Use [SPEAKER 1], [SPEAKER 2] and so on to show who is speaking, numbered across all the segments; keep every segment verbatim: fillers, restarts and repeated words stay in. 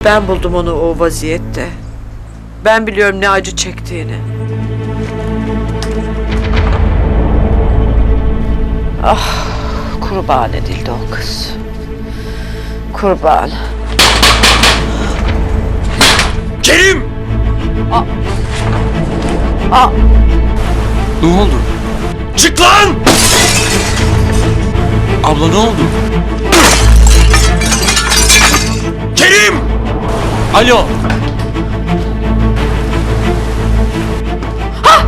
[SPEAKER 1] Ben buldum onu o vaziyette. Ben biliyorum ne acı çektiğini. Ah, kurban edildi o kız. Kurban.
[SPEAKER 2] Kerim!
[SPEAKER 1] Aa. Aa.
[SPEAKER 2] Ne oldu? Çık lan! Abla ne oldu? Kerim! Alo!
[SPEAKER 1] Ha!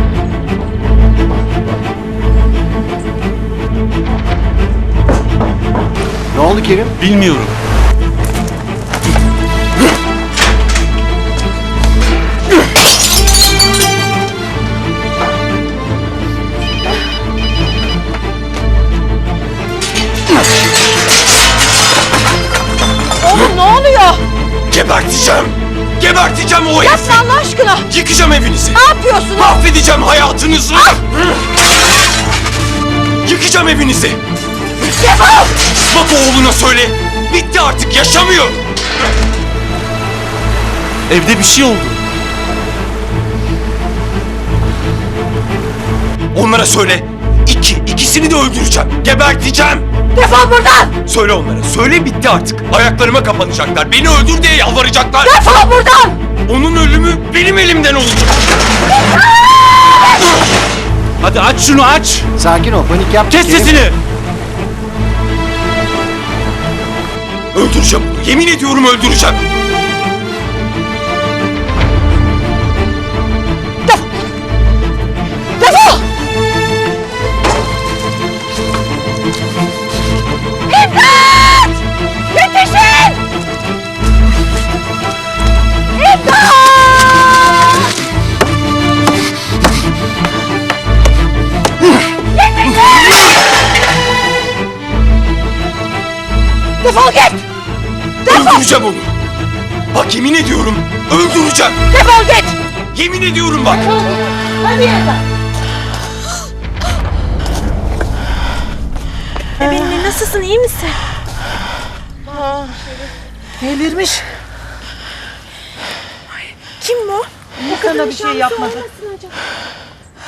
[SPEAKER 2] Ne oldu Kerim? Bilmiyorum.
[SPEAKER 1] Oğlum ne oluyor?
[SPEAKER 2] Geberteceğim! Geberteceğim o herifi!
[SPEAKER 1] Yapma Allah aşkına!
[SPEAKER 2] Yıkacağım evinizi!
[SPEAKER 1] Ne yapıyorsun?
[SPEAKER 2] Mahvedeceğim hayatınızı! Yıkacağım evinizi!
[SPEAKER 1] Defol!
[SPEAKER 2] Bak oğluna söyle! Bitti artık, yaşamıyor! Evde bir şey oldu. Onlara söyle! İki, ikisini de öldüreceğim! Geberteceğim!
[SPEAKER 1] Defol buradan!
[SPEAKER 2] Söyle onlara, söyle bitti artık! Ayaklarıma kapanacaklar, beni öldür diye yalvaracaklar!
[SPEAKER 1] Defol buradan!
[SPEAKER 2] Onun ölümü benim elimden olacak! Hadi aç şunu aç!
[SPEAKER 3] Sakin ol, panik yapma.
[SPEAKER 2] Kes
[SPEAKER 3] Kerim.
[SPEAKER 2] sesini! Öldüreceğim onu, yemin ediyorum öldüreceğim!
[SPEAKER 1] Defol! İmdat! Yetişin! İmdat! Defol git!
[SPEAKER 2] Öldüreceğim onu! Bak yemin ediyorum, öldüreceğim!
[SPEAKER 1] Defol git!
[SPEAKER 2] Yemin ediyorum bak!
[SPEAKER 1] Hadi yerden!
[SPEAKER 4] Bebeğim nasılsın, iyi misin?
[SPEAKER 1] Delirmiş.
[SPEAKER 4] Kim bu?
[SPEAKER 1] Sana bir şey yapmadı.